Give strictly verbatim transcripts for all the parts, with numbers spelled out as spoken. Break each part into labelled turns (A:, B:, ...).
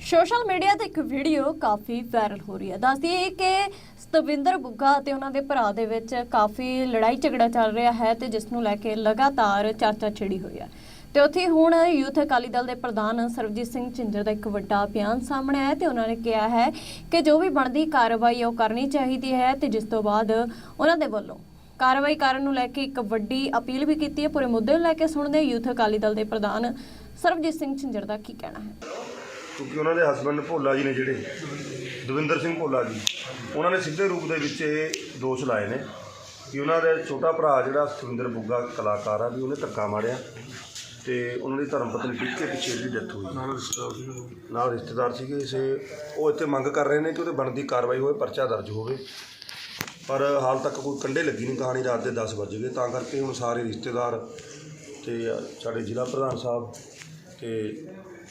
A: Social media ਤੇ ਇੱਕ video ਕਾਫੀ viral ਹੋ ਰਹੀ ਹੈ। ਦੱਸਦੀ ਹੈ ਕਿ ਸਤਵਿੰਦਰ ਬੁੱਗਾ ਤੇ ਉਹਨਾਂ ਦੇ ਭਰਾ ਦੇ ਵਿੱਚ ਕਾਫੀ ਲੜਾਈ ਝਗੜਾ ਚੱਲ ਰਿਹਾ ਹੈ ਤੇ ਜਿਸ ਨੂੰ ਲੈ ਕੇ ਲਗਾਤਾਰ ਚਰਚਾ ਛਿੜੀ ਹੋਈ ਹੈ। ਤੇ ਉੱਥੇ ਹੁਣ ਯੂਥ ਅਕਾਲੀ ਦਲ ਦੇ ਪ੍ਰਧਾਨ ਸਰਬਜੀਤ ਸਿੰਘ ਝਿੰਜਰ ਦਾ ਇੱਕ ਵੱਡਾ ਬਿਆਨ ਸਾਹਮਣੇ ਆਇਆ ਤੇ ਉਹਨਾਂ ਨੇ ਕਿਹਾ ਹੈ ਕਿ ਜੋ ਵੀ ਬਣਦੀ ਕਾਰਵਾਈ ਉਹ ਕਰਨੀ ਚਾਹੀਦੀ ਹੈ ਤੇ ਜਿਸ ਤੋਂ ਬਾਅਦ ਉਹਨਾਂ ਦੇ ਵੱਲੋਂ ਕਾਰਵਾਈ ਕਰਨ ਨੂੰ ਲੈ ਕੇ ਇੱਕ ਵੱਡੀ ਅਪੀਲ ਵੀ ਕੀਤੀ ਹੈ। ਪੂਰੇ ਮੁੱਦੇ ਨੂੰ ਲੈ ਕੇ ਸੁਣਦੇ ਯੂਥ ਅਕਾਲੀ ਦਲ ਦੇ ਪ੍ਰਧਾਨ ਸਰਬਜੀਤ ਸਿੰਘ ਝਿੰਜਰ ਦਾ ਕੀ ਕਹਿਣਾ ਹੈ।
B: ਕਿਉਂਕਿ ਉਹਨਾਂ ਦੇ ਹਸਬੈਂਡ ਭੋਲਾ ਜੀ ਨੇ ਜਿਹੜੇ ਦਵਿੰਦਰ ਸਿੰਘ ਭੋਲਾ ਜੀ, ਉਹਨਾਂ ਨੇ ਸਿੱਧੇ ਰੂਪ ਦੇ ਵਿੱਚ ਇਹ ਦੋਸ਼ ਲਾਏ ਨੇ ਕਿ ਉਹਨਾਂ ਦਾ ਛੋਟਾ ਭਰਾ ਜਿਹੜਾ ਸਤਵਿੰਦਰ ਬੁੱਗਾ ਕਲਾਕਾਰ ਆ ਵੀ ਉਹਨੇ ਧੱਕਾ ਮਾਰਿਆ ਤੇ ਉਹਨਾਂ ਦੀ ਧਰਮ ਪਤਨੀ ਟਿੱਕੇ ਪਿੱਛੇ ਦੀ ਡੈਥ ਹੋਈ, ਨਾਲ ਰਿਸ਼ਤੇਦਾਰ ਸੀਗੇ। ਇਸੇ ਉਹ ਇੱਥੇ ਮੰਗ ਕਰ ਰਹੇ ਨੇ ਕਿ ਉਹਦੇ ਬਣਦੀ ਕਾਰਵਾਈ ਹੋਵੇ, ਪਰਚਾ ਦਰਜ ਹੋਵੇ, ਪਰ ਹਾਲ ਤੱਕ ਕੋਈ ਕੰਢੇ ਲੱਗੀ ਨਹੀਂ ਕਹਾਣੀ। ਰਾਤ ਦੇ ਦਸ ਵੱਜ ਗਏ, ਤਾਂ ਕਰਕੇ ਹੁਣ ਸਾਰੇ ਰਿਸ਼ਤੇਦਾਰ ਤੇ ਸਾਡੇ ਜ਼ਿਲ੍ਹਾ ਪ੍ਰਧਾਨ ਸਾਹਿਬ ਤੇ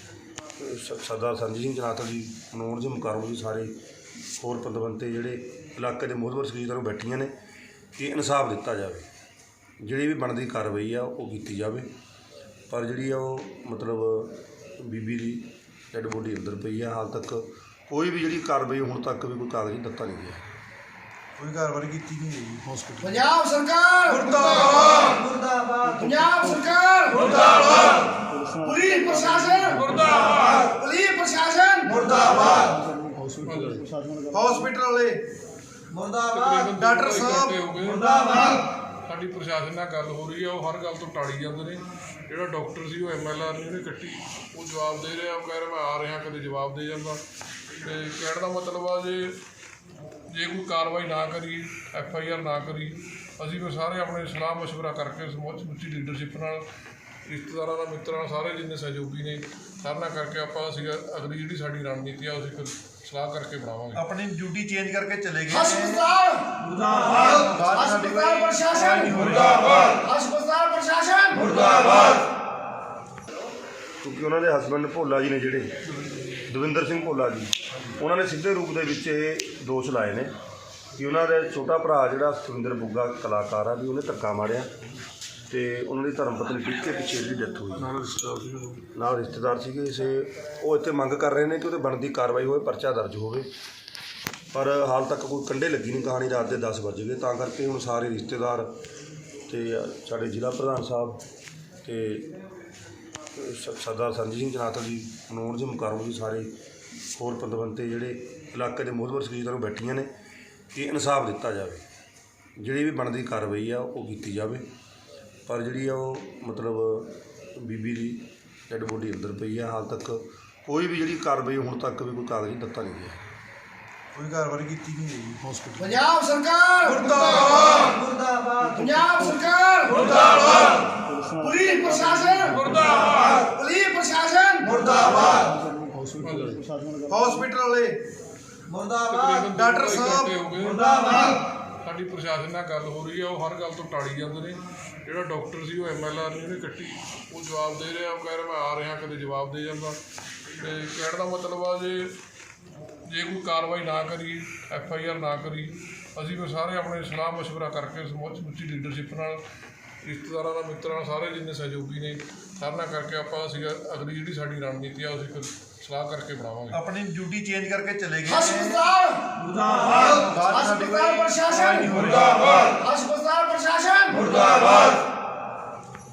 B: ਸਰਦਾਰ ਸੰਜੀਤ ਸਿੰਘ ਜਨਾਤਲ ਜੀ, ਮਨੋਹਰ ਜੀ ਮੁਕਾਰਮ ਜੀ, ਸਾਰੇ ਹੋਰ ਪਤਵੰਤੇ ਜਿਹੜੇ ਇਲਾਕੇ ਦੇ ਮੋਹਤਬਰ ਸ਼ਖਸੀਅਤਾਂ ਨੂੰ ਬੈਠੀਆਂ ਨੇ ਕਿ ਇਨਸਾਫ ਦਿੱਤਾ ਜਾਵੇ, ਜਿਹੜੀ ਵੀ ਬਣਦੀ ਕਾਰਵਾਈ ਆ ਉਹ ਕੀਤੀ ਜਾਵੇ। ਪਰ ਜਿਹੜੀ ਆ ਉਹ ਮਤਲਬ ਬੀਬੀ ਦੀ ਡੈਡ ਬੋਡੀ ਅੰਦਰ ਪਈ ਆ, ਹਾਲ ਤੱਕ ਕੋਈ ਵੀ ਜਿਹੜੀ ਕਾਰਵਾਈ ਹੁਣ ਤੱਕ ਵੀ ਕੋਈ ਕਾਗਜ਼ੀ ਦਿੱਤਾ ਨਹੀਂ ਗਿਆ, ਕੋਈ ਕਾਰਵਾਈ ਕੀਤੀ ਨਹੀਂ ਗਈ। ਹਸਪੀਟਲ
C: ਪੰਜਾਬ ਸਰਕਾਰ ਮੁਰਦਾਬਾਦ ਮੁਰਦਾਬਾਦ ਪੰਜਾਬ ਸਰਕਾਰ ਮੁਰਦਾਬਾਦ ਪੁਲਿਸ ਪ੍ਰਸ਼ਾਸਨ ਮੁਰਦਾਬਾਦ ਪੁਲਿਸ ਪ੍ਰਸ਼ਾਸਨ ਮੁਰਦਾਬਾਦ ਹਸਪੀਟਲ ਵਾਲੇ ਮੁਰਦਾਬਾਦ ਡਾਕਟਰ ਸਾਹਿਬ ਮੁਰਦਾਬਾਦ।
D: ਸਾਡੀ ਪ੍ਰਸ਼ਾਸਨ ਨਾਲ ਗੱਲ ਹੋ ਰਹੀ ਹੈ, ਉਹ ਹਰ ਗੱਲ ਤੋਂ ਟਾਲੀ ਜਾਂਦੇ ਨੇ। ਜਿਹੜਾ ਡਾਕਟਰ ਸੀ ਉਹ ਐਮ ਐਲ ਆਰ ਨੇ ਉਹਨੇ ਕੱਟੀ, ਉਹ ਜਵਾਬ ਦੇ ਰਿਹਾ, ਉਹ ਕਹਿ ਰਿਹਾ ਮੈਂ ਆ ਰਿਹਾ, ਕਦੇ ਜਵਾਬ ਦੇ ਜਾਂਦਾ। ਅਤੇ ਕਹਿਣ ਦਾ ਮਤਲਬ ਆ ਜੇ ਜੇ ਕੋਈ ਕਾਰਵਾਈ ਨਾ ਕਰੀ, ਐਫ ਆਈ ਆਰ ਨਾ ਕਰੀ, ਅਸੀਂ ਫਿਰ ਸਾਰੇ ਆਪਣੇ ਸਲਾਹ ਮਸ਼ਵਰਾ ਕਰਕੇ ਸਮੁੱਚੀ ਲੀਡਰਸ਼ਿਪ ਨਾਲ, ਰਿਸ਼ਤੇਦਾਰਾਂ ਨਾਲ, ਮਿੱਤਰਾਂ ਨਾਲ, ਸਾਰੇ ਜਿੰਨੇ ਸਹਿਯੋਗੀ ਨੇ ਸਾਰਿਆਂ ਨਾਲ ਕਰਕੇ ਆਪਾਂ ਅਸੀਂ ਅਗਲੀ ਜਿਹੜੀ ਸਾਡੀ ਰਣਨੀਤੀ ਆ ਉਹ ਅਸੀਂ ਸਲਾਹ ਕਰਕੇ ਬਣਾਵਾਂਗੇ।
E: ਆਪਣੀ ਡਿਊਟੀ ਚੇਂਜ ਕਰਕੇ ਚਲੇ ਗਏ।
C: ਹਸਪਤਾਲ ਮੁਰਦਾਬਾਦ ਹਸਪਤਾਲ ਪ੍ਰਸ਼ਾਸਨ ਮੁਰਦਾਬਾਦ ਹਸਪਤਾਲ ਪ੍ਰਸ਼ਾਸਨ ਮੁਰਦਾਬਾਦ।
B: ਕਿਉਂਕਿ ਉਹਨਾਂ ਦੇ ਹਸਬੈਂਡ ਭੋਲਾ ਜੀ ਨੇ ਜਿਹੜੇ ਦਵਿੰਦਰ ਸਿੰਘ ਭੋਲਾ ਜੀ, ਉਹਨਾਂ ਨੇ ਸਿੱਧੇ ਰੂਪ ਦੇ ਵਿੱਚ ਇਹ ਦੋਸ਼ ਲਾਏ ਨੇ ਕਿ ਉਹਨਾਂ ਦਾ ਛੋਟਾ ਭਰਾ ਜਿਹੜਾ ਸਤਵਿੰਦਰ ਬੁੱਗਾ ਕਲਾਕਾਰ ਆ ਵੀ ਉਹਨੇ ਧੱਕਾ ਮਾਰਿਆ ਤੇ ਉਹਨਾਂ ਦੀ ਧਰਮ ਪਤਨੀ ਟਿੱਕੇ ਪਿੱਛੇ ਦੀ ਡੈਥ ਹੋਈ, ਨਾਲ ਰਿਸ਼ਤੇਦਾਰ ਸੀਗੇ। ਇਸੇ ਉਹ ਇੱਥੇ ਮੰਗ ਕਰ ਰਹੇ ਨੇ ਕਿ ਉਹਦੇ ਬਣਦੀ ਕਾਰਵਾਈ ਹੋਵੇ, ਪਰਚਾ ਦਰਜ ਹੋਵੇ, ਪਰ ਹਾਲ ਤੱਕ ਕੋਈ ਕੰਢੇ ਲੱਗੀ ਨਹੀਂ ਕਹਾਣੀ। ਰਾਤ ਦੇ ਦਸ ਵੱਜ ਗਏ, ਤਾਂ ਕਰਕੇ ਹੁਣ ਸਾਰੇ ਰਿਸ਼ਤੇਦਾਰ ਤੇ ਸਾਡੇ ਜ਼ਿਲ੍ਹਾ ਪ੍ਰਧਾਨ ਸਾਹਿਬ ਤੇ ਸਰਦਾਰ ਸੰਜੀਤ ਸਿੰਘ ਜਨਾਤਲ ਜੀ, ਮਨੋਹਰ ਜੀ ਮੁਕਾਰਮ ਜੀ, ਸਾਰੇ ਹੋਰ ਪਤਵੰਤੇ ਜਿਹੜੇ ਇਲਾਕੇ ਦੇ ਮੋਹਤਬਰ ਸ਼ਖਸੀਅਤਾਂ ਨੂੰ ਬੈਠੀਆਂ ਨੇ ਕਿ ਇਨਸਾਫ ਦਿੱਤਾ ਜਾਵੇ, ਜਿਹੜੀ ਵੀ ਬਣਦੀ ਕਾਰਵਾਈ ਆ ਉਹ ਕੀਤੀ ਜਾਵੇ। ਪਰ ਜਿਹੜੀ ਆ ਉਹ ਮਤਲਬ ਬੀਬੀ ਦੀ ਡੈਡ ਬੋਡੀ ਅੰਦਰ ਪਈ ਆ, ਹਾਲ ਤੱਕ ਕੋਈ ਵੀ ਜਿਹੜੀ ਕਾਰਵਾਈ ਹੁਣ ਤੱਕ ਵੀ ਕੋਈ ਕਾਗਜ਼ੀ ਦਿੱਤਾ ਨਹੀਂ ਗਿਆ,
E: ਕੋਈ ਕਾਰਵਾਈ ਕੀਤੀ ਨਹੀਂ ਗਈ। ਹਸਪੀਟਲ
C: ਪੰਜਾਬ ਸਰਕਾਰ ਮੁਰਦਾਬਾਦ ਮੁਰਦਾਬਾਦ ਪੰਜਾਬ ਸਰਕਾਰ ਮੁਰਦਾਬਾਦ ਪੁਲਿਸ ਪ੍ਰਸ਼ਾਸਨ ਮੁਰਦਾਬਾਦ ਪੁਲਿਸ ਪ੍ਰਸ਼ਾਸਨ ਮੁਰਦਾਬਾਦ ਹਸਪੀਟਲ ਵਾਲੇ ਮੁਰਦਾਬਾਦ ਡਾਕਟਰ ਸਾਹਿਬ ਮੁਰਦਾਬਾਦ।
D: ਸਾਡੀ ਪ੍ਰਸ਼ਾਸਨ ਨਾਲ ਗੱਲ ਹੋ ਰਹੀ ਹੈ, ਉਹ ਹਰ ਗੱਲ ਤੋਂ ਟਾਲੀ ਜਾਂਦੇ ਨੇ। ਜਿਹੜਾ ਡਾਕਟਰ ਸੀ ਉਹ ਐਮ ਐਲ ਆਰ ਨੇ ਉਹਨੇ ਕੱਟੀ, ਉਹ ਜਵਾਬ ਦੇ ਰਿਹਾ, ਉਹ ਕਹਿ ਰਿਹਾ ਮੈਂ ਆ ਰਿਹਾ, ਕਦੇ ਜਵਾਬ ਦੇ ਜਾਂਦਾ। ਅਤੇ ਕਹਿਣ ਦਾ ਮਤਲਬ ਆ ਜੇ ਜੇ ਕੋਈ ਕਾਰਵਾਈ ਨਾ ਕਰੀ, ਐਫ ਆਈ ਆਰ ਨਾ ਕਰੀ, ਅਸੀਂ ਫਿਰ ਸਾਰੇ ਆਪਣੇ ਸਲਾਹ ਮਸ਼ਵਰਾ ਕਰਕੇ ਸਮੁੱਚੀ ਲੀਡਰਸ਼ਿਪ ਨਾਲ, ਰਿਸ਼ਤੇਦਾਰਾਂ ਨਾਲ, ਮਿੱਤਰਾਂ ਨਾਲ, ਸਾਰੇ ਜਿੰਨੇ ਸਹਿਯੋਗੀ ਨੇ ਸਾਰਿਆਂ ਨਾਲ ਕਰਕੇ ਆਪਾਂ ਅਸੀਂ ਅਗਲੀ ਜਿਹੜੀ ਸਾਡੀ ਰਣਨੀਤੀ ਆ ਉਹ ਅਸੀਂ ਸਲਾਹ ਕਰਕੇ ਬਣਾਵਾਂਗੇ।
E: ਆਪਣੀ ਡਿਊਟੀ ਚੇਂਜ ਕਰਕੇ ਚਲੇ ਗਏ।
C: ਹਸਪਤਾਲ ਮੁਰਦਾਬਾਦ ਹਸਪਤਾਲ ਪ੍ਰਸ਼ਾਸਨ ਮੁਰਦਾਬਾਦ ਹਸਪਤਾਲ ਪ੍ਰਸ਼ਾਸਨ ਮੁਰਦਾਬਾਦ।